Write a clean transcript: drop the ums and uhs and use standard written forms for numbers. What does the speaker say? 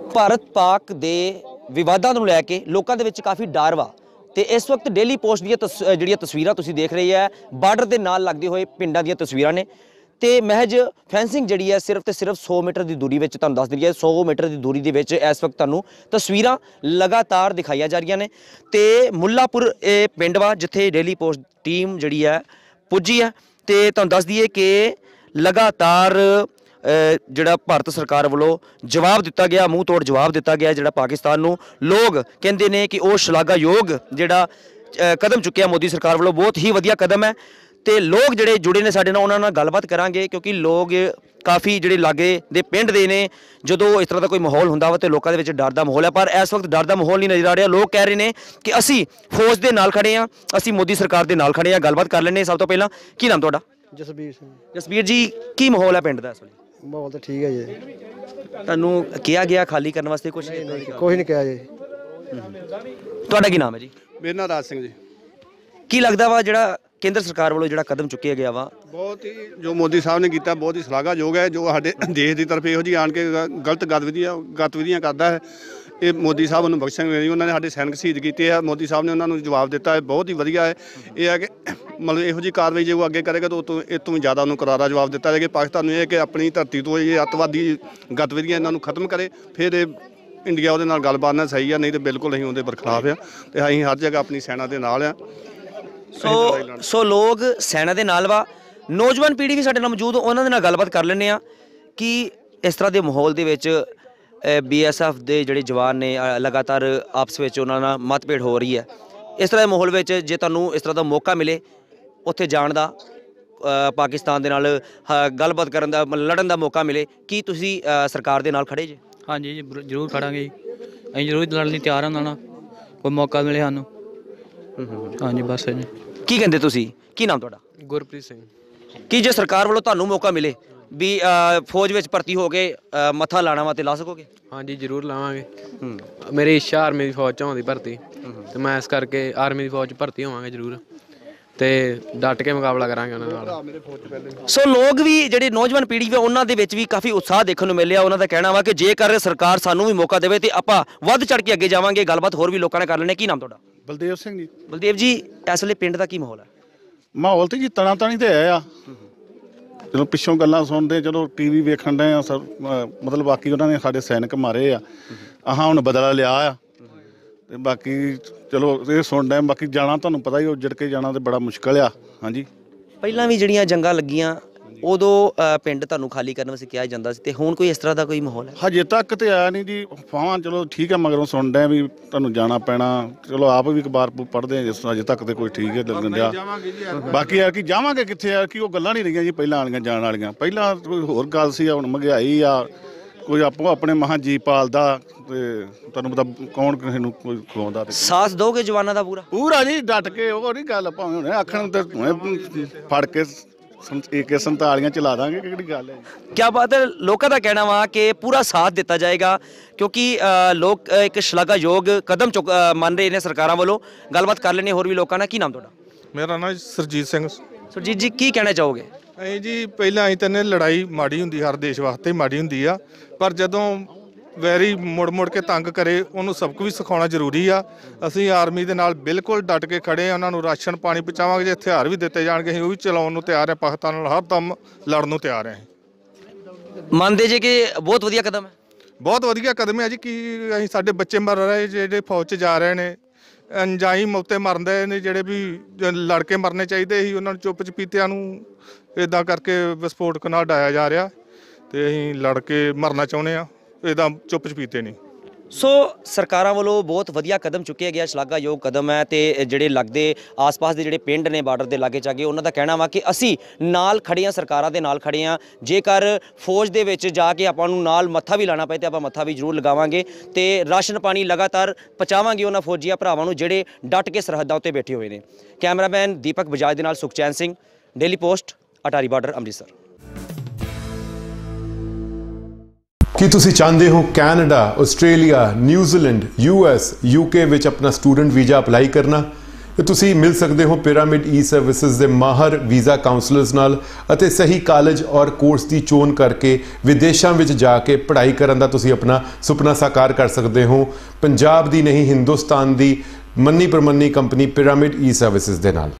ਭਾਰਤ ਪਾਕ ਦੇ ਵਿਵਾਦਾਂ ਨੂੰ ਲੈ ਕੇ ਲੋਕਾਂ ਦੇ ਵਿੱਚ ਕਾਫੀ ਡਰ ਵਾ ਤੇ ਇਸ ਵਕਤ ਡੇਲੀ ਪੋਸਟ ਦੀਆਂ ਜਿਹੜੀਆਂ ਤਸਵੀਰਾਂ ਤੁਸੀਂ ਦੇਖ ਰਹੇ ਆ ਬਾਰਡਰ ਦੇ ਨਾਲ ਲੱਗਦੇ ਹੋਏ ਪਿੰਡਾਂ ਦੀਆਂ ਤਸਵੀਰਾਂ ਨੇ ਤੇ ਮਹਿਜ ਫੈਂਸਿੰਗ ਜਿਹੜੀ ਹੈ ਸਿਰਫ ਤੇ ਸਿਰਫ 100 ਮੀਟਰ ਦੀ ਦੂਰੀ ਵਿੱਚ ਤੁਹਾਨੂੰ ਦੱਸ ਦਈਏ 100 ਮੀਟਰ ਦੀ ਦੂਰੀ ਦੇ ਵਿੱਚ ਇਸ ਵਕਤ ਤੁਹਾਨੂੰ ਤਸਵੀਰਾਂ ਲਗਾਤਾਰ ਦਿਖਾਈਆਂ ਜਾ ਰਹੀਆਂ ਨੇ ਤੇ ਮੁੱਲਾਪੁਰ ਇਹ ਪਿੰਡ ਵਾ ਜਿੱਥੇ ਡੇਲੀ ਪੋਸਟ ਟੀਮ ਜਿਹੜੀ ਹੈ ਪੁੱਜੀ ਹੈ ਤੇ ਤੁਹਾਨੂੰ ਦੱਸ ਦਈਏ ਕਿ ਲਗਾਤਾਰ ਜਿਹੜਾ ਭਾਰਤ ਸਰਕਾਰ ਵੱਲੋਂ ਜਵਾਬ ਦਿੱਤਾ ਗਿਆ ਮੂੰਹ ਤੋੜ ਜਵਾਬ ਦਿੱਤਾ ਗਿਆ ਜਿਹੜਾ ਪਾਕਿਸਤਾਨ ਨੂੰ ਲੋਕ ਕਹਿੰਦੇ ਨੇ ਕਿ ਉਹ ਸ਼ਲਾਘਾਯੋਗ ਜਿਹੜਾ ਕਦਮ ਚੁੱਕਿਆ ਮੋਦੀ ਸਰਕਾਰ ਵੱਲੋਂ ਬਹੁਤ ਹੀ ਵਧੀਆ ਕਦਮ ਹੈ ਤੇ ਲੋਕ ਜਿਹੜੇ ਜੁੜੇ ਨੇ ਸਾਡੇ ਨਾਲ ਉਹਨਾਂ ਨਾਲ ਗੱਲਬਾਤ ਕਰਾਂਗੇ ਕਿਉਂਕਿ ਲੋਕ ਕਾਫੀ ਜਿਹੜੇ ਲਾਗੇ ਦੇ ਪਿੰਡ ਦੇ ਨੇ ਜਦੋਂ ਇਸ ਤਰ੍ਹਾਂ ਦਾ ਕੋਈ ਮਾਹੌਲ ਹੁੰਦਾ ਵਾ ਤੇ ਲੋਕਾਂ ਦੇ ਵਿੱਚ ਡਰ ਦਾ ਮਾਹੌਲ ਹੈ ਪਰ ਇਸ ਵਕਤ ਡਰ ਦਾ ਮਾਹੌਲ ਨਹੀਂ ਨਜ਼ਰ ਆ ਰਿਹਾ ਲੋਕ ਕਹਿ ਰਹੇ ਨੇ ਕਿ ਅਸੀਂ ਫੌਜ ਦੇ ਨਾਲ ਖੜੇ ਹਾਂ ਅਸੀਂ ਮੋਦੀ ਸਰਕਾਰ ਦੇ ਨਾਲ ਖੜੇ ਹਾਂ ਗੱਲਬਾਤ ਕਰ ਲੈਂਦੇ ਸਭ ਤੋਂ ਪਹਿਲਾਂ ਕੀ ਨਾਮ ਤੁਹਾਡਾ ਜਸਬੀਰ ਸਿੰਘ ਜਸਬੀਰ ਜੀ ਕੀ ਮਾਹੌਲ ਹੈ ਪਿੰਡ ਦਾ ਇਸ ਵੇਲੇ ਮਾਹੌਲ ਤਾਂ ਠੀਕ ਹੈ ਜੀ ਤੁਹਾਨੂੰ ਕਿਹਾ ਗਿਆ ਖਾਲੀ ਕਰਨ ਵਾਸਤੇ ਕੁਝ ਕੋਈ ਨਹੀਂ ਕਿਹਾ ਜੀ ਤੁਹਾਡਾ ਕੀ ਨਾਮ ਹੈ ਜੀ ਮੇਰਾ ਨਾਮ ਰਾਜ ਸਿੰਘ ਜੀ ਕੀ ਲੱਗਦਾ ਵਾ ਜਿਹੜਾ ਕੇਂਦਰ ਸਰਕਾਰ ਵੱਲੋਂ ਜਿਹੜਾ ਕਦਮ ਚੁੱਕਿਆ ਗਿਆ ਵਾ ਬਹੁਤ ਹੀ ਜੋ ਮੋਦੀ ਸਾਹਿਬ ਨੇ ਕੀਤਾ ਬਹੁਤ ਹੀ ਸ਼ਲਾਘਾਯੋਗ ਹੈ ਜੋ ਸਾਡੇ ਦੇਸ਼ ਦੀ ਤਰਫ ਇਹੋ ਜਿਹੀ ਆਣ ਕੇ ਗਲਤ ਗਤਵਿਧੀਆਂ ਕਰਦਾ ਹੈ ਇਹ ਮੋਦੀ ਸਾਹਿਬ ਨੂੰ ਬਖਸ਼ਣਗੇ ਨਹੀਂ ਉਹਨਾਂ ਨੇ ਸਾਡੇ ਸੈਨਿਕ ਸ਼ਹੀਦ ਕੀਤੇ ਆ ਮੋਦੀ ਸਾਹਿਬ ਨੇ ਉਹਨਾਂ ਨੂੰ ਜਵਾਬ ਦਿੱਤਾ ਹੈ ਬਹੁਤ ਹੀ ਵਧੀਆ ਹੈ ਇਹ ਹੈ ਕਿ ਮਤਲਬ ਇਹੋ ਜਿਹੀ ਕਾਰਵਾਈ ਜੇ ਉਹ ਅੱਗੇ ਕਰੇਗਾ ਤਾਂ ਇਹ ਤੋਂ ਵੀ ਜ਼ਿਆਦਾ ਉਹਨੂੰ ਕਰਾਰਾ ਜਵਾਬ ਦਿੱਤਾ ਜਾਏਗਾ ਪਾਕਿਸਤਾਨ ਨੂੰ ਇਹ ਕਿ ਆਪਣੀ ਧਰਤੀ ਤੋਂ ਇਹ ਅੱਤਵਾਦੀ ਗਤਵਿਧੀਆਂ ਇਹਨਾਂ ਨੂੰ ਖਤਮ ਕਰੇ ਫਿਰ ਇਹ ਇੰਡੀਆ ਉਹਦੇ ਨਾਲ ਗੱਲਬਾਤ ਨਾਲ ਸਹੀ ਆ ਨਹੀਂ ਤਾਂ ਬਿਲਕੁਲ ਅਸੀਂ ਉਹਦੇ ਬਰਖਲਾਫ ਆ ਤੇ ਅਸੀਂ ਹਰ ਜਗ੍ਹਾ ਆਪਣੀ ਸੈਨਾ ਦੇ ਨਾਲ ਆ ਸੋ ਲੋਕ ਸੈਨਾ ਦੇ ਨਾਲ ਵਾ ਨੌਜਵਾਨ ਪੀੜ੍ਹੀ ਵੀ ਸਾਡੇ ਨਾਲ ਮੌਜੂਦ ਉਹਨਾਂ ਦੇ ਨਾਲ ਗੱਲਬਾਤ ਕਰ ਲੈਂਦੇ ਆ ਕਿ ਇਸ ਤਰ੍ਹਾਂ ਦੇ ਮਾਹੌਲ ਦੇ ਵਿੱਚ BSF ਦੇ ਜਿਹੜੇ ਜਵਾਨ ਨੇ ਲਗਾਤਾਰ ਆਪਸ ਵਿੱਚ ਉਹਨਾਂ ਨਾਲ ਮਤਭੇੜ ਹੋ ਰਹੀ ਹੈ ਇਸ ਤਰ੍ਹਾਂ ਦੇ ਮਾਹੌਲ ਵਿੱਚ ਜੇ ਤੁਹਾਨੂੰ ਇਸ ਤਰ੍ਹਾਂ ਦਾ ਮੌਕਾ ਮਿਲੇ ਉੱਥੇ ਜਾਣ ਦਾ ਪਾਕਿਸਤਾਨ ਦੇ ਨਾਲ ਗੱਲਬਾਤ ਕਰਨ ਦਾ ਲੜਨ ਦਾ ਮੌਕਾ ਮਿਲੇ ਕੀ ਤੁਸੀਂ ਸਰਕਾਰ ਦੇ ਨਾਲ ਖੜੇ ਜੇ ਹਾਂਜੀ ਜੀ ਜ਼ਰੂਰ ਖੜਾਂਗੇ ਜੀ ਅਸੀਂ ਜ਼ਰੂਰ ਲੜਨ ਲਈ ਤਿਆਰ ਹਾਂ ਉਹਨਾਂ ਨਾਲ ਕੋਈ ਮੌਕਾ ਮਿਲੇ ਸਾਨੂੰ ਹਾਂਜੀ ਬਸ ਜੀ ਕੀ ਕਹਿੰਦੇ ਤੁਸੀਂ ਕੀ ਨਾਮ ਤੁਹਾਡਾ ਗੁਰਪ੍ਰੀਤ ਸਿੰਘ ਕੀ ਜੇ ਸਰਕਾਰ ਵੱਲੋਂ ਤੁਹਾਨੂੰ ਮੌਕਾ ਮਿਲੇ ਵੀ ਫੌਜ ਵਿੱਚ ਭਰਤੀ ਹੋ ਕੇ ਮੱਥਾ ਲਾਣਾ ਵਾ ਤੇ ਲਾ ਸਕੋਗੇ ਹਾਂਜੀ ਜ਼ਰੂਰ ਲਾਵਾਂਗੇ ਮੇਰੀ ਇੱਛਾ ਆਰਮੀ ਦੀ ਫੌਜ 'ਚ ਹੋਣ ਦੀ ਭਰਤੀ ਤੇ ਮੈਂ ਇਸ ਕਰਕੇ ਆਰਮੀ ਦੀ ਫੌਜ 'ਚ ਭਰਤੀ ਹੋਵਾਂਗੇ ਜ਼ਰੂਰ ਤੇ ਡਟ ਕੇ ਮੁਕਾਬਲਾ ਕਰਾਂਗੇ ਉਹਨਾਂ ਨਾਲ ਸੋ ਲੋਕ ਵੀ ਜਿਹੜੇ ਨੌਜਵਾਨ ਪੀੜ੍ਹੀ ਵਾ ਉਹਨਾਂ ਦੇ ਵਿੱਚ ਵੀ ਕਾਫੀ ਉਤਸ਼ਾਹ ਦੇਖਣ ਨੂੰ ਮਿਲਿਆ ਉਹਨਾਂ ਦਾ ਕਹਿਣਾ ਵਾ ਕਿ ਜੇਕਰ ਸਰਕਾਰ ਸਾਨੂੰ ਵੀ ਮੌਕਾ ਦੇਵੇ ਤੇ ਆਪਾਂ ਵੱਧ ਚੜ ਕੇ ਅੱਗੇ ਜਾਵਾਂਗੇ ਗੱਲਬਾਤ ਹੋਰ ਵੀ ਲੋਕਾਂ ਨਾਲ ਕਰ ਲੈਣੇ ਕੀ ਨਾਮ ਤੁਹਾਡਾ ਬਲਦੇਵ ਸਿੰਘ ਜੀ ਬਲਦੇਵ ਜੀ ਇਸ ਵੇਲੇ ਪਿੰਡ ਦਾ ਕੀ ਮਾਹੌਲ ਹੈ ਮਾਹੌਲ ਤੇ ਜੀ ਤਣਾ ਤਾਣੀ ਤੇ ਆਇਆ ਆ ਚਲੋ ਪਿੱਛੋਂ ਗੱਲਾਂ ਸੁਣਦੇ ਚਲੋ TV ਵੇਖਣ ਡਏ ਆ ਸਰ ਮਤਲਬ ਬਾਕੀ ਉਹਨਾਂ ਨੇ ਸਾਡੇ ਸੈਨਿਕ ਮਾਰੇ ਆ ਆਹ ਹੁਣ ਬਦਲਾ ਲਿਆ ਆ ਤੇ ਬਾਕੀ ਚਲੋ ਇਹ ਸੁਣ ਡਏ ਬਾਕੀ ਜਾਣਾ ਤੁਹਾਨੂੰ ਪਤਾ ਹੀ ਉੱਜੜ ਕੇ ਜਾਣਾ ਤੇ ਬੜਾ ਮੁਸ਼ਕਲ ਆ ਹਾਂਜੀ ਪਹਿਲਾਂ ਵੀ ਜਿਹੜੀਆਂ ਜੰਗਾਂ ਲੱਗੀਆਂ ਉਦੋਂ ਪਿੰਡ ਤੁਹਾਨੂੰ ਖਾਲੀ ਕਰਨ ਵਾਸਤੇ ਕਿਹਾ ਜਾਂਦਾ ਸੀ ਤੇ ਹੁਣ ਕੋਈ ਇਸ ਤਰ੍ਹਾਂ ਦਾ ਕੋਈ ਮਾਹੌਲ ਹੈ ਹਜੇ ਤੱਕ ਤੇ ਆਇਆ ਨਹੀਂ ਜੀ ਫਾਹਾਂ ਚਲੋ ਠੀਕ ਹੈ ਮਗਰੋਂ ਸੁਣ ਡਏ ਵੀ ਤੁਹਾਨੂੰ ਜਾਣਾ ਪੈਣਾ ਚਲੋ ਆਪ ਵੀ ਅਖਬਾਰ ਪੜ੍ਹਦੇ ਆ ਜਿਸ ਅਜੇ ਤੱਕ ਤੇ ਕੋਈ ਠੀਕ ਹੈ ਲੱਗਣ ਡਿਆ ਬਾਕੀ ਯਾਰ ਕਿ ਜਾਵਾਂਗੇ ਕਿੱਥੇ ਯਾਰ ਕਿ ਉਹ ਗੱਲਾਂ ਨਹੀਂ ਰਹੀਆਂ ਜੀ ਪਹਿਲਾਂ ਵਾਲੀਆਂ ਜਾਣ ਵਾਲੀਆਂ ਪਹਿਲਾਂ ਕੋਈ ਹੋਰ ਗੱਲ ਸੀ ਹੁਣ ਮਹਿੰਗਾਈ ਆ ਕੋਈ ਆਪੋ ਆਪਣੇ ਮਹਾਂ ਜੀ ਪਾਲਦਾ ਤੇ ਤੁਹਾਨੂੰ ਪਤਾ ਕੌਣ ਕਿਸੇ ਨੂੰ ਕੋਈ ਖਵਾਉਂਦਾ ਤੇ ਸਾਥ ਦੋਗੇ ਜਵਾਨਾਂ ਦਾ ਪੂਰਾ ਜੀ ਡਟ ਕੇ ਉਹ ਨਹੀਂ ਗੱਲ ਭਾਵੇਂ ਹੁਣੇ ਆਖਣ ਤੇ ਫੜ ਕੇ AK-47 ਚਲਾ ਦਾਂਗੇ ਕਿਹੜੀ ਗੱਲ ਹੈ ਕਿਆ ਬਾਤ ਹੈ ਲੋਕਾਂ ਦਾ ਕਹਿਣਾ ਵਾ ਕਿ ਪੂਰਾ ਸਾਥ ਦਿੱਤਾ ਜਾਏਗਾ ਕਿਉਂਕਿ ਲੋਕ ਇੱਕ ਸ਼ਲਾਘਾਯੋਗ ਕਦਮ ਮੰਨ ਰਹੇ ਨੇ ਸਰਕਾਰਾਂ ਵੱਲੋਂ ਗੱਲਬਾਤ ਕਰ ਲੈਣੇ ਹੋਰ ਵੀ ਲੋਕਾਂ ਨਾਲ ਕੀ ਨਾਮ ਤੁਹਾਡਾ ਮੇਰਾ ਨਾਮ ਸਰਜੀਤ ਸਿੰਘ ਸੁਰਜੀਤ ਜੀ ਕੀ ਕਹਿਣਾ ਚਾਹੋਗੇ ਅਸੀਂ ਜੀ ਪਹਿਲਾਂ ਅਸੀਂ ਤਾਂ ਲੜਾਈ ਮਾੜੀ ਹੁੰਦੀ ਹਰ ਦੇਸ਼ ਵਾਸਤੇ ਮਾੜੀ ਹੁੰਦੀ ਆ ਪਰ ਜਦੋਂ ਵੈਰੀ ਮੁੜ ਕੇ ਤੰਗ ਕਰੇ ਉਹਨੂੰ ਸਬਕ ਵੀ ਸਿਖਾਉਣਾ ਜ਼ਰੂਰੀ ਆ ਅਸੀਂ ਆਰਮੀ ਦੇ ਨਾਲ ਬਿਲਕੁਲ ਡਟ ਕੇ ਖੜੇ ਆ ਉਹਨਾਂ ਨੂੰ ਰਾਸ਼ਨ ਪਾਣੀ ਪਹੁੰਚਾਵਾਂਗੇ ਜੇ ਹਥਿਆਰ ਵੀ ਦਿੱਤੇ ਜਾਣਗੇ ਅਸੀਂ ਉਹ ਵੀ ਚਲਾਉਣ ਨੂੰ ਤਿਆਰ ਆ ਪਾਕਿਸਤਾਨ ਨਾਲ ਹਰ ਦਮ ਲੜਨ ਨੂੰ ਤਿਆਰ ਆ ਮੰਨਦੇ ਜੇ ਕਿ ਬਹੁਤ ਵਧੀਆ ਕਦਮ ਹੈ ਬਹੁਤ ਵਧੀਆ ਕਦਮ ਹੈ ਜੀ ਕਿ ਅਸੀਂ ਸਾਡੇ ਬੱਚੇ ਮਰ ਰਹੇ ਜਿਹੜੇ ਫੌਜ 'ਚ ਜਾ ਰਹੇ ਨੇ ਅਣਜਾਈ ਮੌਤੇ ਮਰਦੇ ਨੇ ਜਿਹੜੇ ਵੀ ਲੜ ਕੇ ਮਰਨੇ ਚਾਹੀਦੇ ਸੀ ਉਹਨਾਂ ਨੂੰ ਚੁੱਪ ਚਪੀਤਿਆਂ ਨੂੰ ਇੱਦਾਂ ਕਰਕੇ ਵਿਸਫੋਟਕ ਨਾਲ ਡਾਇਆ ਜਾ ਰਿਹਾ ਤੇ ਅਸੀਂ ਲੜ ਕੇ ਮਰਨਾ ਚਾਹੁੰਦੇ ਆ ਇਹਦਾ ਚੁੱਪ ਚਪੀਤੇ ਨਹੀਂ ਸੋ ਸਰਕਾਰਾਂ ਵੱਲੋਂ ਬਹੁਤ ਵਧੀਆ ਕਦਮ ਚੁੱਕਿਆ ਗਿਆ ਸ਼ਲਾਘਾਯੋਗ ਕਦਮ ਹੈ ਤੇ ਜਿਹੜੇ ਲੱਗਦੇ ਆਸ-ਪਾਸ ਦੇ ਜਿਹੜੇ ਪਿੰਡ ਨੇ ਬਾਰਡਰ ਦੇ ਲਾਗੇ ਚਾਗੇ ਉਹਨਾਂ ਦਾ ਕਹਿਣਾ ਵਾ ਕਿ ਅਸੀਂ ਨਾਲ ਖੜੇ ਹਾਂ ਸਰਕਾਰਾਂ ਦੇ ਨਾਲ ਖੜੇ ਹਾਂ ਜੇਕਰ ਫੌਜ ਦੇ ਵਿੱਚ ਜਾ ਕੇ ਆਪਾਂ ਨੂੰ ਨਾਲ ਮੱਥਾ ਵੀ ਲਾਣਾ ਪਏ ਤੇ ਆਪਾਂ ਮੱਥਾ ਵੀ ਜ਼ਰੂਰ ਲਗਾਵਾਂਗੇ ਤੇ ਰਾਸ਼ਨ ਪਾਣੀ ਲਗਾਤਾਰ ਪਹੁੰਚਾਵਾਂਗੇ ਉਹਨਾਂ ਫੌਜੀਆਂ ਭਰਾਵਾਂ ਨੂੰ ਜਿਹੜੇ ਡਟ ਕੇ ਸਰਹੱਦਾਂ ਉੱਤੇ ਬੈਠੇ ਹੋਏ ਨੇ ਕੈਮਰਾਮੈਨ ਦੀਪਕ ਬਜਾਜ ਦੇ ਨਾਲ Sukhchain Singh daily post Attari border Amritsar ਕੀ ਤੁਸੀਂ ਚਾਹੁੰਦੇ ਹੋ Canada, Australia, New Zealand, US, UK ਵਿੱਚ ਆਪਣਾ ਸਟੂਡੈਂਟ ਵੀਜ਼ਾ ਅਪਲਾਈ ਕਰਨਾ? ਤੇ ਤੁਸੀਂ ਮਿਲ ਸਕਦੇ ਹੋ ਪਿਰਾਮਿਡ ਈ ਸਰਵਿਸਿਜ਼ ਦੇ ਮਾਹਰ ਵੀਜ਼ਾ ਕਾਉਂਸਲਰਸ ਨਾਲ ਅਤੇ ਸਹੀ ਕਾਲਜ ਔਰ ਕੋਰਸ ਦੀ ਚੋਣ ਕਰਕੇ ਵਿਦੇਸ਼ਾਂ ਵਿੱਚ ਜਾ ਕੇ ਪੜ੍ਹਾਈ ਕਰਨ ਦਾ ਤੁਸੀਂ ਆਪਣਾ ਸੁਪਨਾ ਸਾਕਾਰ ਕਰ ਸਕਦੇ ਹੋ ਪੰਜਾਬ ਦੀ ਨਹੀਂ ਹਿੰਦੁਸਤਾਨ ਦੀ ਮੰਨੀ ਪ੍ਰਮੰਨੀ ਕੰਪਨੀ ਪਿਰਾਮਿਡ ਈ ਸਰਵਿਸਿਜ਼ ਦੇ ਨਾਲ।